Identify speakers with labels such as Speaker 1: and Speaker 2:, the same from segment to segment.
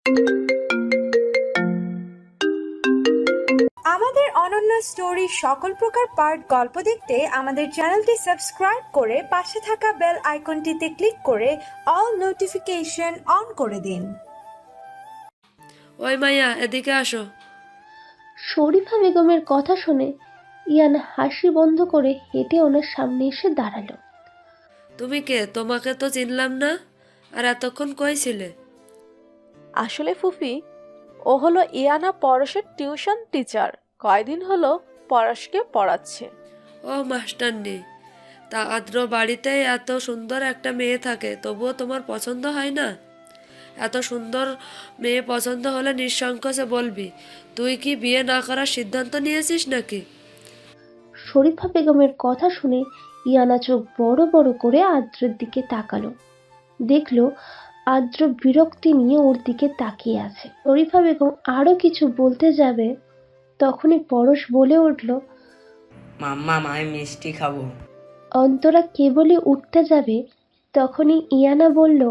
Speaker 1: আমাদের অনন্য স্টোরি সকল প্রকার পার্ট গল্প দেখতে আমাদের চ্যানেলটি সাবস্ক্রাইব করে পাশে থাকা বেল আইকনটিতে ক্লিক করে অল নোটিফিকেশন অন করে দিন।
Speaker 2: ওই মাইয়া, এদিকে আসো।
Speaker 3: শরীফা বেগমের কথা শুনে ইয়ান হাসি বন্ধ করে হেঁটে ওনার সামনে এসে দাঁড়ালো।
Speaker 2: তুমি কে? তোমাকে তো চিনলাম না। আর এতক্ষণ কই ছিলে?
Speaker 4: আসলে ফুফি, ও হলো ইয়ানা পরশের টিউশন টিচার। কয়দিন হলো পরশকে পড়াচ্ছে।
Speaker 2: ও মাস্টারনি। তা আদ্র বাড়িতে এত সুন্দর একটা মেয়ে থাকে, তবুও তোমার পছন্দ হয় না? এত সুন্দর মেয়ে পছন্দ হলে নিঃসংকোচে বলবি। তুই কি বিয়ে না করার সিদ্ধান্ত নিয়েছিস নাকি?
Speaker 3: শরীফা বেগমের কথা শুনে ইয়ানা চোখ বড় বড় করে আদ্রের দিকে তাকালো। দেখলো আদ্র বিরক্তি নিয়ে ওর দিকে তাকিয়ে আছে। শরীফা বেগম আরো কিছু বলতে যাবে, তখনই পরশ বলে উঠল,
Speaker 5: মাম্মা, আমি মিষ্টি খাবো।
Speaker 3: অন্তরা কেবলই উঠতে যাবে, তখনই ইয়ানা বলল,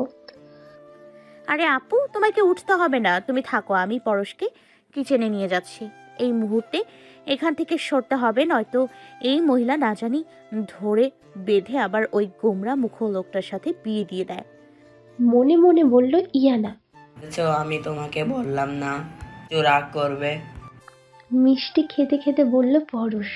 Speaker 6: আরে আপু, তোমাকে উঠতে হবে না, তুমি থাকো, আমি পরশকে কিচেনে নিয়ে যাচ্ছি। এই মুহূর্তে এখান থেকে সরতে হবে, নয়তো এই মহিলা না জানি ধরে বেঁধে আবার ওই গোমরা মুখ লোকটার সাথে বিয়ে দিয়ে দেয়।
Speaker 3: মনে মনে বলল ইয়ানা।
Speaker 5: আমি তোমাকে বললাম না রাগ করবে।
Speaker 3: মিষ্টি খেতে খেতে বলল পরশ।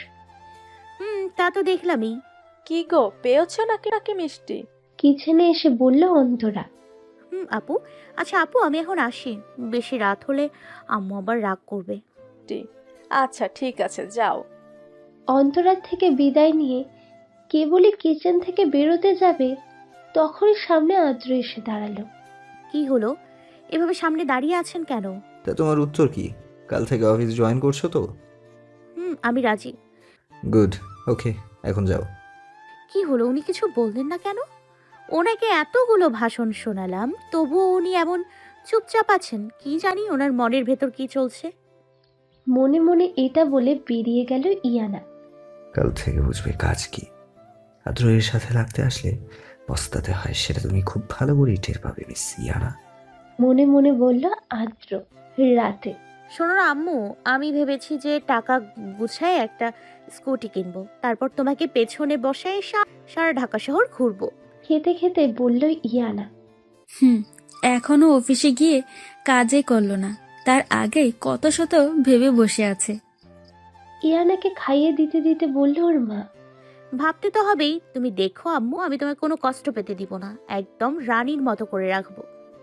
Speaker 6: তা তো দেখলামই।
Speaker 4: কি গো, পেয়েছো নাকি নাকি মিষ্টি?
Speaker 3: কিচেনে এসে বলল অন্তরা।
Speaker 6: আপু, আচ্ছা আপু, আমি এখন আসি, বেশি রাত হলে আম্মু আবার রাগ করবে।
Speaker 4: আচ্ছা ঠিক আছে, যাও।
Speaker 3: অন্তরার থেকে বিদায় নিয়ে কেবলই কিচেন থেকে বেরোতে যাবে, তখনই সামনে আদ্র এসে দাঁড়ালো।
Speaker 6: কি হলো, এভাবে সামনে দাঁড়িয়ে আছেন কেন?
Speaker 7: তা তোমার উত্তর কি? কাল থেকে অফিস জয়েন করছো তো?
Speaker 6: আমি রাজি।
Speaker 7: গুড, ওকে, এখন যাও।
Speaker 6: কি হলো, উনি কিছু বললেন না কেন? ওনাকে এতগুলো ভাষণ শোনালাম, তবুও উনি এমন চুপচাপ আছেন। কি জানি ওনার মনের ভেতর কি চলছে।
Speaker 3: মনে মনে এটা বলে বেরিয়ে গেল ইয়ানা।
Speaker 7: কাল থেকে বুঝবে কাজ কি। আদ্র এর সাথে লাগতে আসলে পস্তাতে হয়, সেটা তুমি খুব ভালো করেই টের পাবে মিস ইয়ানা।
Speaker 3: মনে মনে বলল আদ্র। রাতে
Speaker 6: শোনো না আম্মু, আমি ভেবেছি যে টাকা গুছায় একটা স্কুটি কিনবো, তারপর তোমাকে পেছনে বসায় সারা ঢাকা শহর ঘুরবো।
Speaker 3: খেতে খেতে বলল ইয়ানা।
Speaker 8: এখনো অফিসে গিয়ে কাজে করলো না, তার আগেই কত শত ভেবে বসে আছে।
Speaker 3: ইয়ানাকে খাইয়ে দিতে দিতে বলল ওর মা।
Speaker 6: ভাবতে তো হবেই। তুমি দেখো আম্মু, আমি তোমায় কোনো কষ্ট পেতে দিব না, একদম রানীর মতো করে রাখবো।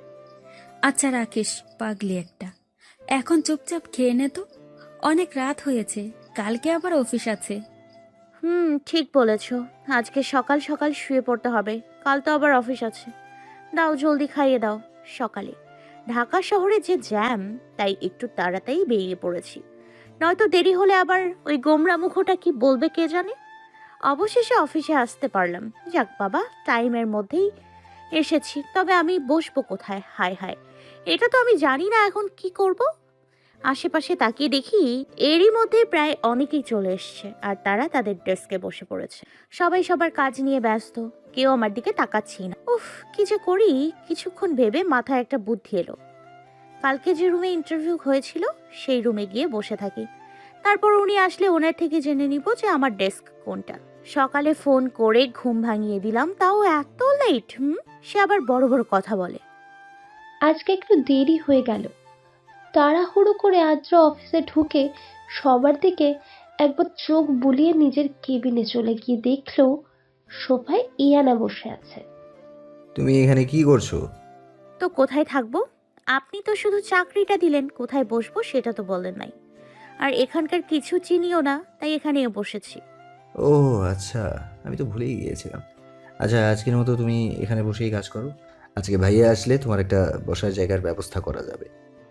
Speaker 8: আচ্ছা রাকেশ, পাগলি একটা, এখন চুপচাপ খেয়ে নে তো, অনেক রাত হয়েছে, কালকে আবার অফিস আছে।
Speaker 6: ঠিক বলেছো, আজকে সকাল সকাল শুয়ে পড়তে হবে, কাল তো আবার অফিস আছে। দাও জলদি খাইয়ে দাও। সকালে ঢাকা শহরে যে জ্যাম, তাই একটু তাড়াতাড়ি বেরিয়ে পড়েছি, নয়তো দেরি হলে আবার ওই গোমরা মুখোটা কি বলবে কে জানে। অবশেষে অফিসে আসতে পারলাম। যাক বাবা, টাইমের মধ্যেই এসেছি। তবে আমি বসবো কোথায়? হায় হায়, এটা তো আমি জানি না এখন কি করব। আশেপাশে তাকিয়ে দেখি এরই মধ্যে প্রায় অনেকেই চলে এসছে, আর তারা তাদের ডেস্কে বসে পড়েছে। সবাই সবার কাজ নিয়ে ব্যস্ত, কেউ আমার দিকে তাকাচ্ছেই না। উফ, কি যে করি। কিছুক্ষণ ভেবে মাথায় একটা বুদ্ধি এলো। কালকে যে রুমে ইন্টারভিউ হয়েছিল সেই রুমে গিয়ে বসে থাকি, তারপর উনি আসলে ওনার থেকে জেনে নিব যে আমার ডেস্ক কোনটা। সকালে ফোন করে ঘুম ভাঙিয়ে দিলাম, তাও এত লেট। সে আবার বড় বড় কথা বলে।
Speaker 3: আজকে একটু দেরি হয়ে গেল। তাড়াহুড়ো করে আদ্র অফিসে ঢুকে সবার দিকে একবার চোখ বুলিয়ে নিজের কেবিনে চলে গিয়ে দেখলো সোফায় ইয়ানা বসে আছে।
Speaker 7: তুমি এখানে কি করছো?
Speaker 6: তো কোথায় থাকবো? আপনি তো শুধু চাকরিটা দিলেন, কোথায় বসবো সেটা তো বলেন নাই। আর এখানকার কিছু চিনিও না, তাই এখানেও বসেছি।
Speaker 7: ও আচ্ছা, আমি তো ভুলেই গিয়েছিলাম। আচ্ছা, আজকের মতো তুমি এখানে বসেই কাজ করো। আজকে ভাইয়া আসলে তোমার একটা বসার জায়গার ব্যবস্থা করা যাবে।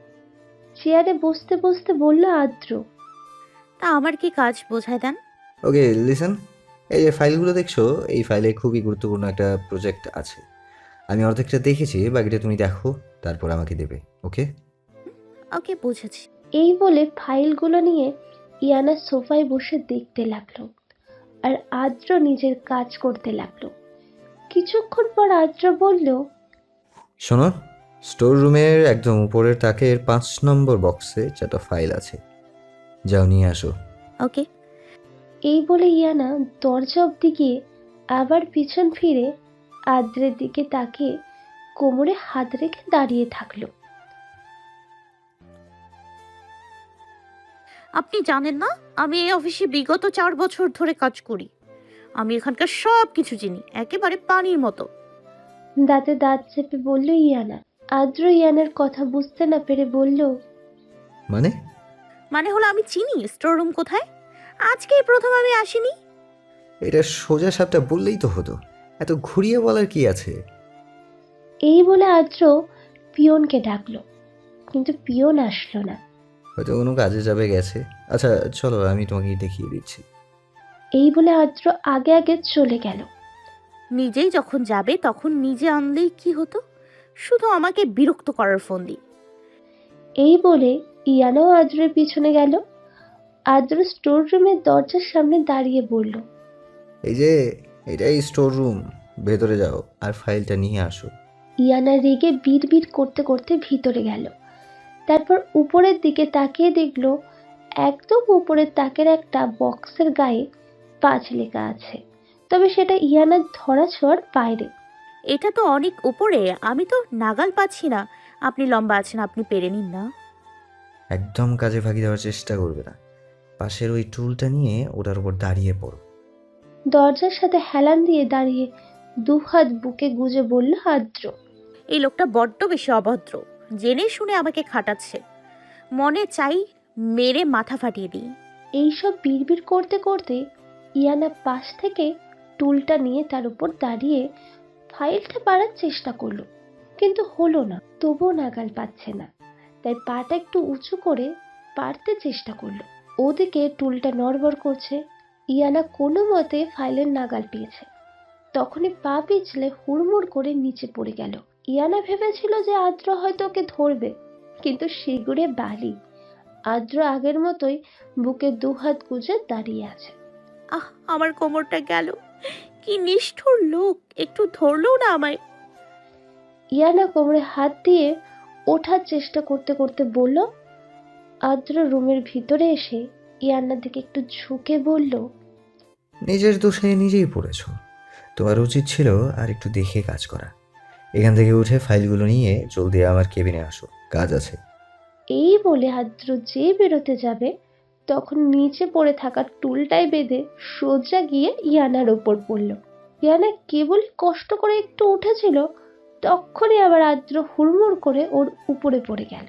Speaker 3: চেয়ারে বসতে বসতে বলল আদ্র।
Speaker 6: তা আমার কি কাজ বোঝায় দেন।
Speaker 7: ওকে লিসেন, এই যে ফাইলগুলো দেখছো, এই ফাইলে খুবই গুরুত্বপূর্ণ একটা প্রজেক্ট আছে। আমি অর্ধেকটা দেখেছি, বাকিটা তুমি দেখো, তারপর আমাকে দেবে। ওকে?
Speaker 6: ওকে, বুঝেছি।
Speaker 3: এই বলে ফাইলগুলো নিয়ে ইয়ানা সোফায় বসে দেখতে লাগলো, আর আদ্র নিজের কাজ করতে লাগলো। কিছুক্ষণ পর আদ্র বলল,
Speaker 7: শোনো, স্টোর রুমের একদম উপরের তাকের 5 নম্বর বক্সে 4টা ফাইল আছে, যাও নিয়ে আসো।
Speaker 6: ওকে।
Speaker 3: এই বলে ইয়ানা দরজা অব্দি গিয়ে আবার পিছন ফিরে আদ্রের দিকে তাকিয়ে কোমরে হাত রেখে দাঁড়িয়ে থাকলো।
Speaker 6: আপনি জানেন না আমি এই অফিসে বিগত 4 বছর ধরে কাজ করি। আমি এখানকার সব কিছু চিনি, একেবারে পানির মতো।
Speaker 3: দাঁতে দাঁত চেপে বলল ইয়ানা। আদ্র ইয়ানার কথা বুঝতে না পেরে বলল,
Speaker 7: মানে?
Speaker 6: মানে হলো আমি চিনি স্টোর রুম কোথায়। আজকেই প্রথম আমি আসিনি।
Speaker 7: এটা সোজা সাপটা বললেই তো হতো, এত ঘুরিয়ে বলার কি আছে?
Speaker 3: এই বলে আদ্র পিয়নকে ডাকলো, কিন্তু পিয়ন আসলো না।
Speaker 7: হয়তো কোনো কাজে যাবে গেছে। আচ্ছা চলো, আমি তোমাকে দেখিয়ে দিচ্ছি।
Speaker 3: এই বলে আদ্র আগে আগে চলে গেল।
Speaker 6: নিজেই যখন যাবে তখন নিজে আনলেই কি হতো, শুধু আমাকে বিরক্ত করার ফোন দি।
Speaker 3: এই বলে ইয়ানাও আদ্রের পিছনে গেল। আদ্র স্টোর রুমের দরজার সামনে দাঁড়িয়ে বলল,
Speaker 7: এই যে এটাই স্টোর রুম, ভেতরে যাও আর ফাইলটা নিয়ে আসো।
Speaker 3: ইয়ানা রেগে বিড়বিড় করতে করতে ভিতরে গেল। তারপর উপরের দিকে তাকিয়ে দেখলো একদম উপরের তাকের একটা বক্সের গায়ে 5 লেখা আছে, তবে সেটা ইয়ানার ধরাছোঁয়ার বাইরে।
Speaker 6: এটা তো অনেক উপরে, আমি তো নাগাল পাচ্ছি না। আপনি লম্বা আছেন, আপনি পেরে নিন না।
Speaker 7: একদম কাজে ফাঁকি দেওয়ার চেষ্টা করবে না। পাশের ওই টুলটা নিয়ে ওটার উপর দাঁড়িয়ে পড়ো।
Speaker 3: দরজার সাথে হেলান দিয়ে দাঁড়িয়ে দুহাত বুকে গুজে বলল আদ্র।
Speaker 6: এই লোকটা বড্ড বেশি অভদ্র, জেনে শুনে আমাকে খাটাচ্ছে। মনে চাই মেরে মাথা ফাটিয়ে দিই।
Speaker 3: এইসব বিড়বিড় করতে করতে ইয়ানা পাশ থেকে টুলটা নিয়ে তার উপর দাঁড়িয়ে ফাইলটা পাড়ার চেষ্টা করলো, কিন্তু হলো না। তবুও নাগাল পাচ্ছে না, তাই পাটা একটু উঁচু করে পারতে চেষ্টা করলো। ওদিকে টুলটা নড়বড় করছে। ইয়ানা কোনো মতে ফাইলের নাগাল পেয়েছে। তখনই পা পিছলে হুড়মুড় করে নিচে পড়ে গেল। ইয়ানা ভেবেছিল যে আদ্র হয়তো ওকে ধরবে, কিন্তু শিগুড়ে বালি। আদ্র আগের মতোই বুকে দুহাত গুজে দাঁড়িয়ে আছে।
Speaker 6: আহ, আমার কোমরটা গেল। কি নিষ্ঠুর লোক, একটু ধরলো না আমায়।
Speaker 3: ইয়ানা কোমরে হাত দিয়ে ওঠার চেষ্টা করতে করতে বলল। আদ্র রুমের ভিতরে এসে ইয়ানার দিকে একটু ঝুঁকে বলল,
Speaker 7: নিজের দোষে নিজেই পড়েছ। তোমার উচিত ছিল আর একটু দেখে কাজ করা। এখান থেকে উঠে ফাইলগুলো নিয়ে জলদি আমার কেবিনে আসো, কাজ আছে।
Speaker 3: এই বলে আদ্র যে বেরোতে যাবে তখন নিচে পড়ে থাকা টুলটাই বেঁধে সোজা গিয়ে ইয়ানার ওপর পড়ল। ইয়ানা কেবল কষ্ট করে একটু উঠেছিল, তখনই আবার আদ্র হুড়মুড় করে ওর উপরে পড়ে গেল।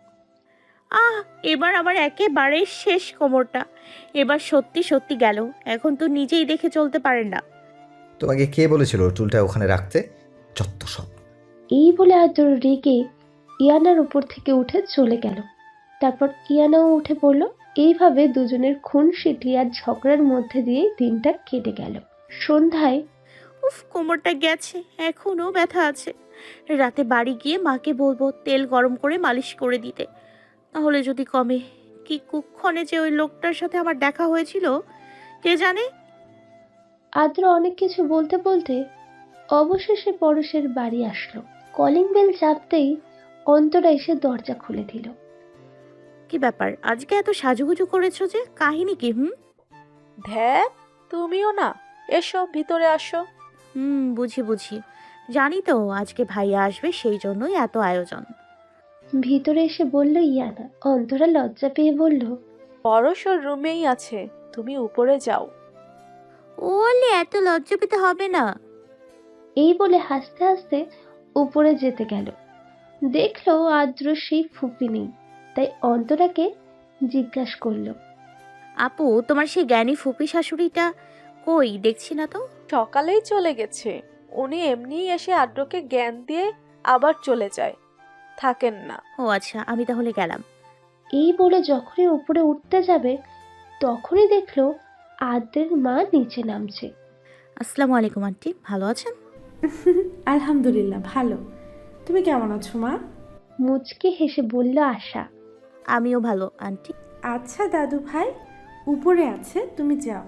Speaker 6: আহ, এবার আমার একেবারে শেষ কোমরটা। এবার সত্যি সত্যি গেল। এখন তো নিজেই দেখে চলতে পারেন না।
Speaker 7: তোমাকে কে বলেছিল টুলটা ওখানে রাখতে? যত সব।
Speaker 3: এই বলে আদ্র রেগে ইয়ানার উপর থেকে উঠে চলে গেল। তারপর ইয়ানাও উঠে পড়ল। এইভাবে দুজনের খুনসিটি আর ঝগড়ার মধ্যে দিয়ে দিনটা কেটে গেল। সন্ধ্যায়
Speaker 6: উফ, কোমরটা গেছে, এখনো ব্যথা আছে। রাতে বাড়ি গিয়ে মাকে বলবো তেল গরম করে মালিশ করে দিতে, তাহলে যদি কমে। কি কুক্ষণে যে ওই লোকটার সাথে আমার দেখা হয়েছিল কে জানে।
Speaker 3: আদ্র অনেক কিছু বলতে বলতে অবশেষে পরশের বাড়ি আসলো। কলিং বেল চাপতেই অন্তরা এসে দরজা খুলে দিল।
Speaker 6: কি ব্যাপার, আজকে এত সাজুগুজু করেছো যে, কাহিনী কি?
Speaker 4: ধ্যাত, তুমিও না, এসো ভিতরে আসো।
Speaker 6: বুঝি বুঝি, জানি তো আজকে ভাইয়া আসবে, সেই জন্যই এত আয়োজন।
Speaker 3: ভিতরে এসে বলল ইয়ানা। অন্তরা লজ্জা পেয়ে বলল,
Speaker 4: পরশ ওর রুমেই আছে, তুমি উপরে যাও।
Speaker 6: ওলে, এত লজ্জা পেতে হবে না।
Speaker 3: এই বলে হাসতে হাসতে উপরে যেতে গেল। দেখলো আদ্র সেই ফুপি নেই, তাই অন্তরাকে জিজ্ঞাসা করলো,
Speaker 6: আপু, তোমার সেই জ্ঞানী ফুপি শাশুড়িটা কই, দেখছি না তো।
Speaker 4: সকালেই চলে গেছে। উনি এমনিই এসে আদ্রকে জ্ঞান দিয়ে আবার চলে যায়, থাকেন না।
Speaker 6: ও আচ্ছা, আমি তাহলে গেলাম।
Speaker 3: এই বলে যখনই উপরে উঠতে যাবে তখনই দেখলো আদ্রের মা নিচে নামছে।
Speaker 6: আসসালামু আলাইকুম আন্টি, ভালো আছেন?
Speaker 1: আলহামদুলিল্লাহ ভালো। তুমি কেমন আছো মা?
Speaker 3: মুচকে হেসে বলল আশা।
Speaker 6: আমিও ভালো আন্টি।
Speaker 1: আচ্ছা দাদু ভাই উপরে আছে, তুমি যাও।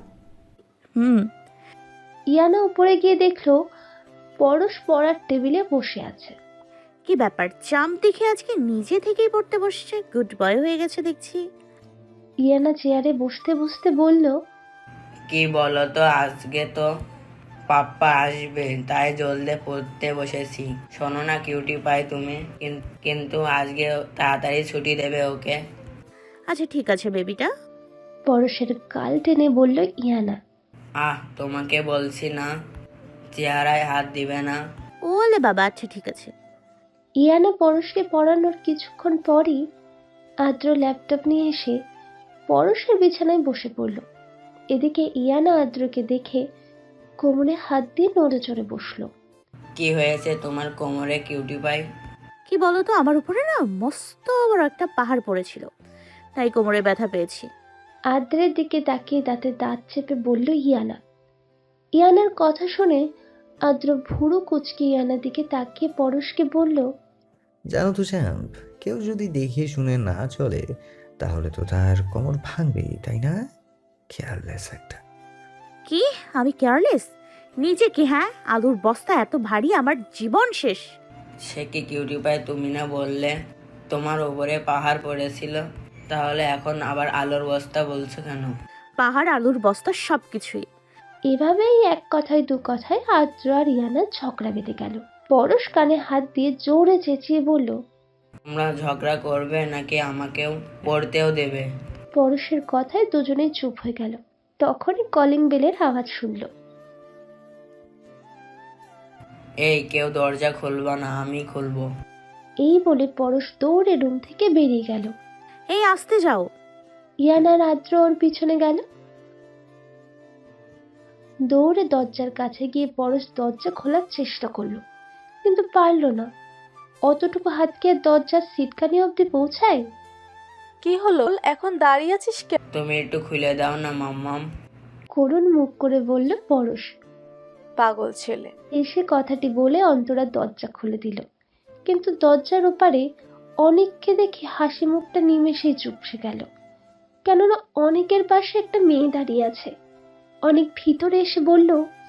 Speaker 3: ইয়ানা উপরে গিয়ে দেখলো পরশ পড়ার টেবিলে বসে আছে।
Speaker 6: কি ব্যাপার, চাম দেখে আজকে নিজে থেকেই পড়তে বসছে, গুড বয় হয়ে গেছে দেখছি।
Speaker 3: ইয়ানা চেয়ারে বসতে বসতে বলল,
Speaker 5: কি বলো তো, আজকে তো পাপ্পা আসবে, তাই জলদি পড়তে বসেছি। শোনো না কিউটি পাই, তুমি কিন্তু আজকে তাড়াতাড়ি ছুটি দেবে ওকে।
Speaker 6: আচ্ছা ঠিক আছে বেবিটা।
Speaker 3: পরশের গাল টেনে বলল ইয়ানা।
Speaker 5: তোমাকে বলছি না, চেহারায় হাত দিবে না।
Speaker 6: ওলে বাবা, আচ্ছা ঠিক আছে।
Speaker 3: ইয়ানা পরশকে পড়ানোর কিছুক্ষণ পরই আদ্র ল্যাপটপ নিয়ে এসে পরশের বিছানায় বসে পড়ল। এদিকে ইয়ানা আদ্রকে দেখে কোমরে হাত দিয়ে নড়ে চড়ে বসলো।
Speaker 5: কি হয়েছে তোমার কোমরে কিউটি পাই?
Speaker 6: কি বলো তো, আমার উপরে না মস্ত বড় একটা পাহাড় পড়েছিল, তাই কোমরে ব্যথা পেয়েছি।
Speaker 3: আদ্রের দিকে তাকিয়ে দাঁতে দাঁত চেপে বলল ইয়ানা। ইয়ানার কথা শুনে আদ্র ভুরু কুচকে ইয়ানার দিকে তাকিয়ে পরশকে বলল,
Speaker 7: জানো তো চ্যাম্প, কেউ যদি দেখে শুনে না চলে তাহলে তো তার কোমর ভাঙবেই, তাই না? কেয়ারলেস একটা।
Speaker 6: কি আমি কেয়ারলেস? নিজে কি? হ্যাঁ, আলুর বস্তা এত ভারী, আমার জীবন শেষ।
Speaker 5: সে কি কিউটি পাই, তুমি না বললে তোমার উপরে পাহাড় পড়েছিল? তাহলে এখন আবার আলোর বস্তা বলছো কেন?
Speaker 6: পাহাড়, আলুর বস্তা, সবকিছুই।
Speaker 3: এভাবেই এক কথায় দু কথায় আদ্র আর ইয়ানার ঝগড়া বেঁধে গেল। পরশ কানে হাত দিয়ে জোরে চেঁচিয়ে বলল,
Speaker 5: তোমরা ঝগড়া করবে নাকি আমাকেও পড়তেও দেবে?
Speaker 3: পরশের কথায় দুজনেই চুপ হয়ে গেল। তখনই কলিং বেলের আওয়াজ শুনল।
Speaker 5: এই কেউ দরজা খুলবা না, আমি খুলবো।
Speaker 3: এই বলে পরশ দৌড়ে রুম থেকে বেরিয়ে গেল।
Speaker 6: এই আসতে যাও।
Speaker 3: ইয়ানার আদ্র ওর পিছনে গেল। দৌড়ে দরজার কাছে গিয়ে পরশ দরজা খোলার চেষ্টা করলো, কিন্তু পারল না। অতটুকু হাত কি আর দরজার সিটকানি অব্দি পৌঁছায়?
Speaker 4: কি হলো, এখন দাঁড়িয়ে আছিস কেন?
Speaker 5: তুমি একটু খুলে দাও না মাম্মাম।
Speaker 3: করুণ মুখ করে বলল পরশ।
Speaker 4: পাগল ছেলে।
Speaker 3: এসে কথাটি বলে অন্তরা দরজা খুলে দিল, কিন্তু দরজার ওপারে অনেককে দেখে হাসি মুখটা নিমেষেই চুপসে গেল। কেননা অনেকের পাশে একটা মেয়ে দাঁড়িয়ে আছে। অনেক ভিতরে এসে বলল,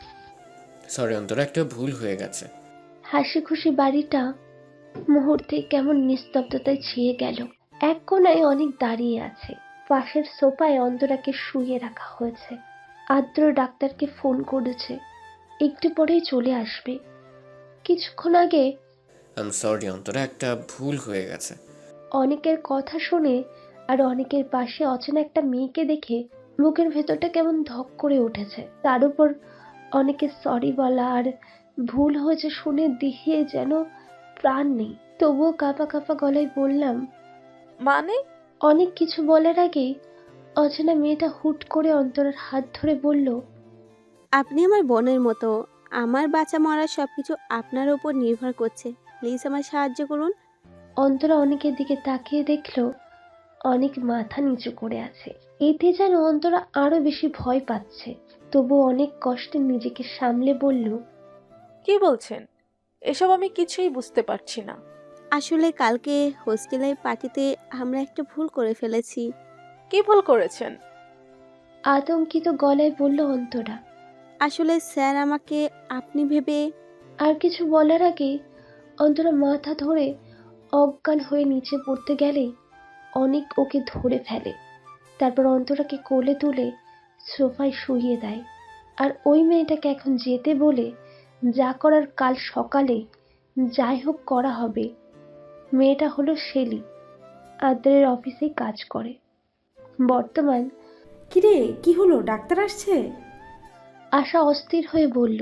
Speaker 9: সরি অন্তরা, একটা ভুল হয়ে গেছে।
Speaker 3: হাসি খুশি বাড়িটা মুহূর্তে কেমন নিস্তব্ধতায় ছেয়ে গেল। এক কোণায় অনেক দাঁড়িয়ে আছে, পাশের সোফায় অন্তরাকে শুইয়ে রাখা হয়েছে। আদ্র ডাক্তারকে ফোন করেছে, একটু পরেই চলে আসবে। কিছুক্ষণ আগে
Speaker 9: আই এম সরি অন্তরা, একটা ভুল হয়ে গেছে।
Speaker 3: অনেকের কথা শুনে আর অনেকের পাশে অচেনা একটা মেয়েকে দেখে বুকের ভেতরটা কেমন ধক করে উঠেছে। তার উপর অনেকে সরি বলা আর ভুল হয়েছে শুনে দেখিয়ে যেন প্রাণ নেই। তবুও কাঁপা কাঁপা গলায় বললাম,
Speaker 4: মানে?
Speaker 3: অনেক কিছু বলার আগেই অচেনা মেয়েটা হুট করে অন্তরার হাত ধরে বলল,
Speaker 10: আপনি আমার বোনের মতো, আমার বাঁচা মরা সবকিছু আপনার উপর নির্ভর করছে, প্লিজ আমার সাহায্য করুন।
Speaker 3: অন্তরা অনেকের দিকে তাকিয়ে দেখলো অনেক মাথা নিচু করে আছে। এতে যেন অন্তরা আরো বেশি ভয় পাচ্ছে। তবু অনেক কষ্টে নিজেকে সামলে বলল,
Speaker 4: কি বলছেন? এসব আমি কিছুই বুঝতে পারছি না।
Speaker 10: আসলে কালকে হোস্টেলের পার্টিতে আমরা একটা ভুল করে ফেলেছি।
Speaker 4: কি ভুল করেছেন?
Speaker 3: আতঙ্কিত গলায় বলল অন্তরা।
Speaker 10: আসলে স্যার আমাকে আপনি ভেবে।
Speaker 3: আর কিছু বলার আগে অন্তরা মাথা ধরে অজ্ঞান হয়ে নিচে পড়তে গেলেই অনেক ওকে ধরে ফেলে। তারপর অন্তরাকে কোলে তুলে সোফায় শুইয়ে দেয়। আর ওই মেয়েটাকে এখন যেতে বলে যা করার কাল সকালে যাই হোক করা হবে। মেয়েটা হলো শেলি, আদ্রের অফিসেই কাজ করে। বর্তমান।
Speaker 1: কিরে, কি হলো? ডাক্তার আসছে?
Speaker 3: আশা অস্থির হয়ে বলল।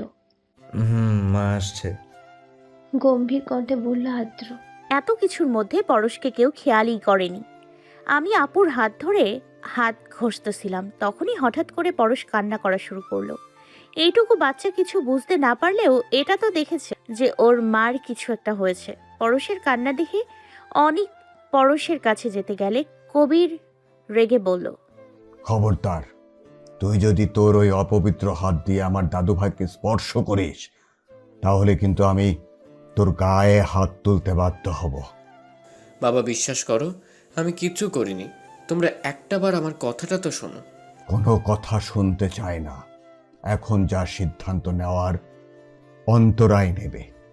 Speaker 7: মা আসছে।
Speaker 3: গম্ভীর কণ্ঠে বলল আদ্র।
Speaker 6: এত কিছুর মধ্যে পরশকে কেউ খেয়ালই করেনি। আমি আপুর হাত ধরে হাত ঘষতেছিলাম, তখনই হঠাৎ করে পরশ কান্না করা শুরু করলো। এইটুকু বাচ্চা কিছু বুঝতে না পারলেও এটা তো দেখেছে যে ওর মার কিছু একটা হয়েছে। পরশের কান্না দেখে অনেক পরশের কাছে যেতে গেলে কবির রেগে বলল,
Speaker 11: খবরদার, তুই যদি তোর ওই অপবিত্র হাত দিয়ে আমার দাদু ভাইকে স্পর্শ করিস তাহলে কিন্তু আমি তোর গায়ে হাত তুলতে বাধ্য হব।
Speaker 9: বাবা বিশ্বাস করো, আমি কিচ্ছু করিনি। তোমরা একটাবার আমার কথাটা তো শোনো।
Speaker 11: কোনো কথা শুনতে চাই না। এখন যা সিদ্ধান্ত নেওয়ার অন্তরাই নেবে।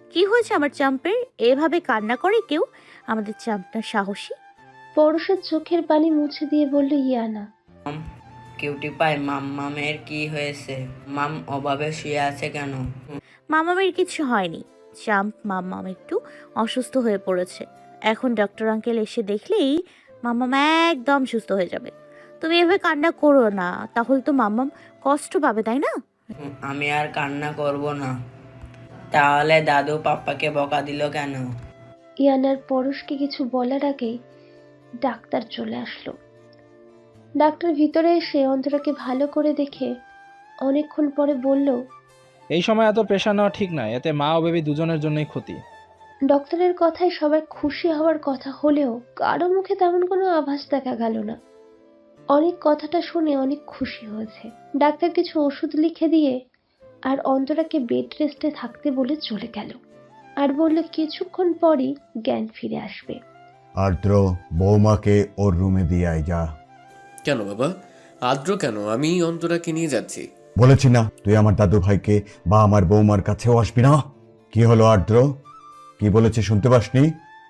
Speaker 6: কি হয়েছে আমার চাম্পের? এভাবে কান্না করে কেউ? আমাদের চাম্পটা সাহসী।
Speaker 3: পরশের চোখের পানি মুছে দিয়ে বলল ইয়ানা।
Speaker 5: কিউটি পাই, মামের কি হয়েছে? মাম অভাবে শুয়ে আছে কেন?
Speaker 6: মামামের কিছু হয়নি। চাম্প মাম্মাম একটু অসুস্থ হয়ে পড়েছে। এখন ডক্টর আঙ্কেল এসে দেখলেই মাম্মাম একদম সুস্থ হয়ে যাবে। তুমি এভাবে কান্না করো না, তাহলে তো মাম্মাম কষ্ট পাবে, তাই না?
Speaker 5: আমি আর কান্না করব না। তাহলে দাদু পাপ্পাকে বকা দিল কেন?
Speaker 3: ইয়ানার পরশকে কিছু বলার আগেই ডাক্তার চলে আসলো। ডাক্তার ভিতরে এসে অন্তরাকে ভালো করে দেখে অনেকক্ষণ পরে বলল,
Speaker 12: এই সময় এত প্রেশার নেওয়া ঠিক নয়, এতে মা ও বেবি দুজনের জন্যই ক্ষতি।
Speaker 3: ডক্টরের কথায় সবাই খুশি হওয়ার কথা হলেও কারো মুখে তেমন কোনো আভাস দেখা গেল না। অনেক কথাটা শুনে অনেক খুশি হয়েছে। ডাক্তার কিছু ওষুধ লিখে দিয়ে আর অন্তরাকে বেড রেস্টে থাকতে বলে চলে গেল, আর বলল কিছুক্ষণ পরই জ্ঞান ফিরে আসবে।
Speaker 11: আর্দ্র, বৌমাকে ওর রুমে দিয়ে আয় যা।
Speaker 9: কেন বাবা? আদ্র কেন? আমি অন্তরাকে নিয়ে যাচ্ছি।
Speaker 11: বলেছি না তুই আমার দাদু ভাইকে বা আমার বৌমার কাছেও আসবি না? কি হলো আর্দ্র, কি বলেছে শুনতে পাসনি?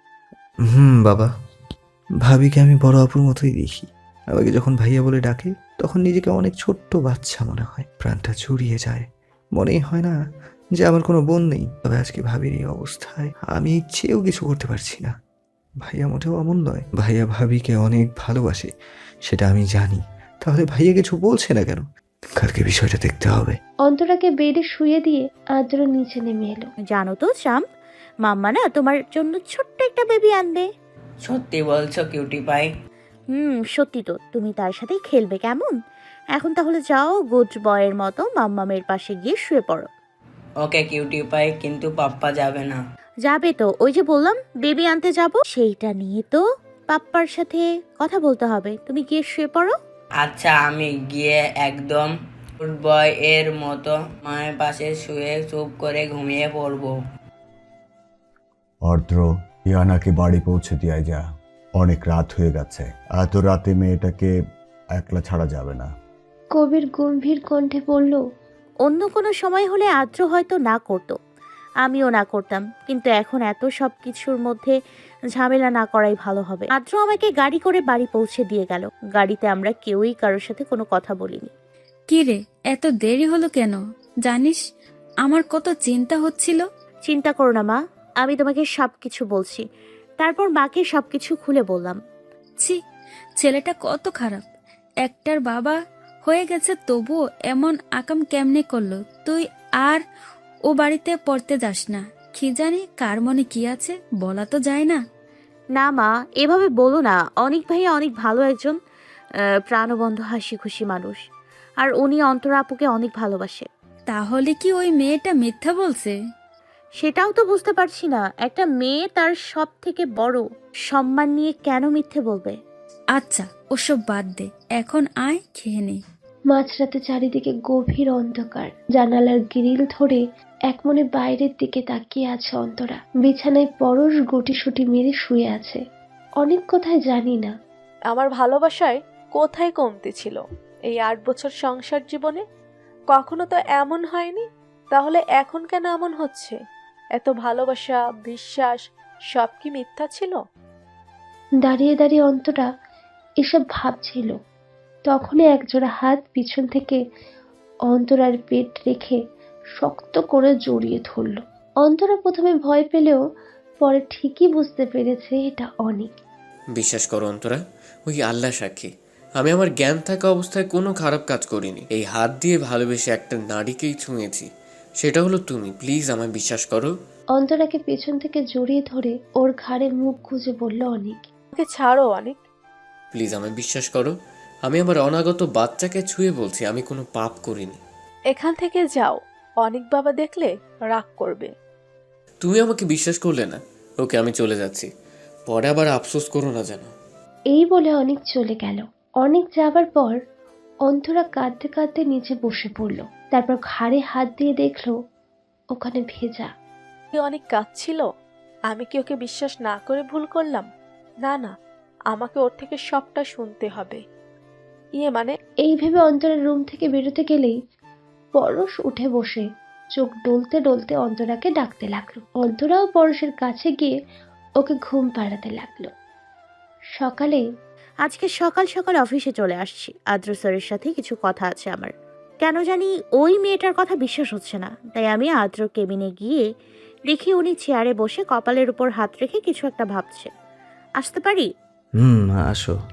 Speaker 7: বাবা, ভাবিকে আমি বড় আপুর মতোই দেখি। আমাকে যখন ভাইয়া বলে ডাকে তখন নিজেকে অনেক ছোট্ট বাচ্চা মনে হয়, প্রাণটা জুড়িয়ে যায়। মনেই হয় না যে আমার কোনো বোন নেই। তবে আজকে ভাবির এই অবস্থায় আমি ইচ্ছেও কিছু করতে পারছি না। ভাইয়া মোটেও অমন নয়, ভাইয়া ভাবিকে অনেক ভালোবাসে, সেটা আমি জানি। তাহলে ভাইয়া কিছু বলছে না কেন? কালকে বিষয়টা দেখতে হবে।
Speaker 3: অন্তরাকে বেডে শুয়ে দিয়ে আদ্র নিচে নেমে এলো।
Speaker 6: জানো তো চাম্প, মাম্মা না তোমার জন্য ছোট্ট একটা বেবি আনবে।
Speaker 5: সত্যি বলছো কিউটি পাই?
Speaker 6: সত্যি তো। তুমি তার সাথেই খেলবে কেমন? এখন তাহলে যাও, গুড বয়ের মতো মাম্মামের পাশে গিয়ে শুয়ে পড়ো।
Speaker 5: ওকে কিউটি পাই, কিন্তু পাপ্পা যাবে না।
Speaker 6: যাবে তো, ওই যে বললাম বেবি আনতে যাব, সেইটা নিয়ে তো পাপ্পার সাথে কথা বলতে হবে। তুমি গিয়ে শুয়ে পড়ো।
Speaker 5: আচ্ছা, আমি গিয়ে একদম গুড বয় এর মতো মায়ের পাশে শুয়ে চুপ করে ঘুমিয়ে পড়বো।
Speaker 11: আর্দ্র, ইয়ানাকে বাড়ি পৌঁছে দিয়ে আয় যা। অনেক রাত হয়ে গেছে, এত রাতে মেয়েটাকে একলা ছাড়া যাবে না।
Speaker 3: কবির গম্ভীর কণ্ঠে বলল,
Speaker 6: অন্য কোনো সময় হলে আদ্র হয়তো না করতো, আমিও না করতাম, কিন্তু এখন এত সব কিছুর মধ্যে ঝামেলা না করাই ভালো হবে। আদ্র আমাকে গাড়ি করে বাড়ি পৌঁছে দিয়ে গেল। গাড়িতে আমরা কেউই কারোর সাথে কোনো কথা বলিনি।
Speaker 8: কি রে, এত দেরি হলো কেন? জানিস আমার কত চিন্তা হচ্ছিল।
Speaker 6: চিন্তা করো না মা, আমি তোমাকে সব কিছু বলছি। তারপর মাকে সব কিছু খুলে বললাম।
Speaker 8: ছি, ছেলেটা কত খারাপ। একটার বাবা হয়ে গেছে তবুও এমন আকাম কেমনে করলো? তুই আর ও বাড়িতে পড়তে যাস না। কি জানি কার মনে কি আছে, বলা তো যায় না।
Speaker 6: না মা, এভাবে বলো না। অনেক ভাইয়া অনেক ভালো একজন প্রাণবন্ধ হাসি খুশি মানুষ, আর উনি অন্তরা আপুকে অনেক ভালোবাসে।
Speaker 8: তাহলে কি ওই মেয়েটা মিথ্যা বলছে?
Speaker 6: সেটাও তো বুঝতে পারছি না। একটা মেয়ে তার সব থেকে বড় সম্মান নিয়ে কেন মিথ্যে বলবে?
Speaker 8: আচ্ছা, ওসব বাদ দে, এখন আয় খেয়ে নে।
Speaker 3: মাঝরাতে চারিদিকে গভীর অন্ধকার। জানালার গ্রিল ধরে একমনে বাইরের দিকে তাকিয়ে আছে অন্তরা। বিছানায় পরশ গুটিসুটি মেরে শুয়ে আছে। অনেক কথায় জানি না।
Speaker 4: আমার ভালোবাসায় কোথায় কমতি ছিল এই 8 বছর সংসার জীবনে? কখনো তো এমন হয়নি, তাহলে এখন কেন এমন হচ্ছে? এত ভালোবাসা, বিশ্বাস সব কি মিথ্যা ছিল?
Speaker 3: দাঁড়িয়ে দাঁড়িয়ে অন্তরা এসব ভাবছিল। তখনই একজোড়া হাত পিছন থেকে অন্তরার পেট রেখে শক্ত করে জড়িয়ে ধরল। অন্তরা প্রথমে ভয় পেলেও পরে ঠিকই বুঝতে পেরেছে এটা অনেক।
Speaker 9: বিশ্বাস করো অন্তরা, ওই আল্লাহ সাক্ষী, আমি আমার জ্ঞান থাকা অবস্থায় কোনো খারাপ কাজ করিনি। এই হাত দিয়ে ভালোবেসে একটা নারীকেই ছুঁয়েছি, সেটা হলো তুমি। প্লিজ আমায় বিশ্বাস করো।
Speaker 3: অন্তরাকে পেছন থেকে জড়িয়ে ধরে ওর ঘাড়ে মুখ গুজে বলল অনেক।
Speaker 4: ওকে ছাড়ো অনেক।
Speaker 9: প্লিজ আমায় বিশ্বাস করো। আমি আমার অনাগত বাচ্চাকে ছুঁয়ে বলছি আমি কোনো পাপ করিনি।
Speaker 4: এখান থেকে যাও, অনেক বাবা দেখলে রাগ করবে।
Speaker 9: তুমি আমাকে বিশ্বাস করলে না। ওকে, আমি চলে যাচ্ছি, পরে আবার আফসোস করো না যেন।
Speaker 3: এই বলে অনেক চলে গেল। অনেক যাবার পর অন্তরা কাঁদতে কাঁদতে নিচে বসে পড়ল। তারপর ঘাড়ে হাত দিয়ে দেখলো ওখানে ভেজা।
Speaker 4: অনেক কাঁদছিল। আমি কি ওকে বিশ্বাস না করে ভুল করলাম? না না, আমাকে ওর থেকে সবটা শুনতে হবে। মানে
Speaker 3: এই ভেবে অন্তরের রুম থেকে বেরোতে গেলেই পরশ উঠে বসে চোখ ডলতে ডলতে অন্তরাকে ডাকতে লাগলো। অন্তরাও পরশের কাছে গিয়ে ওকে ঘুম পাড়াতে লাগলো। সকালে
Speaker 6: আজকে সকাল সকাল অফিসে চলে আসছি। আদ্র স্যারের সাথে কিছু কথা আছে আমার। কেন জানি ওই মেয়েটার কথা বিশ্বাস হচ্ছে না, তাই আমি আদ্র কেবিনে গিয়ে দেখি উনি চেয়ারে বসে কপালের উপর হাত রেখে কিছু একটা ভাবছে। আসতে পারি?
Speaker 7: আসো।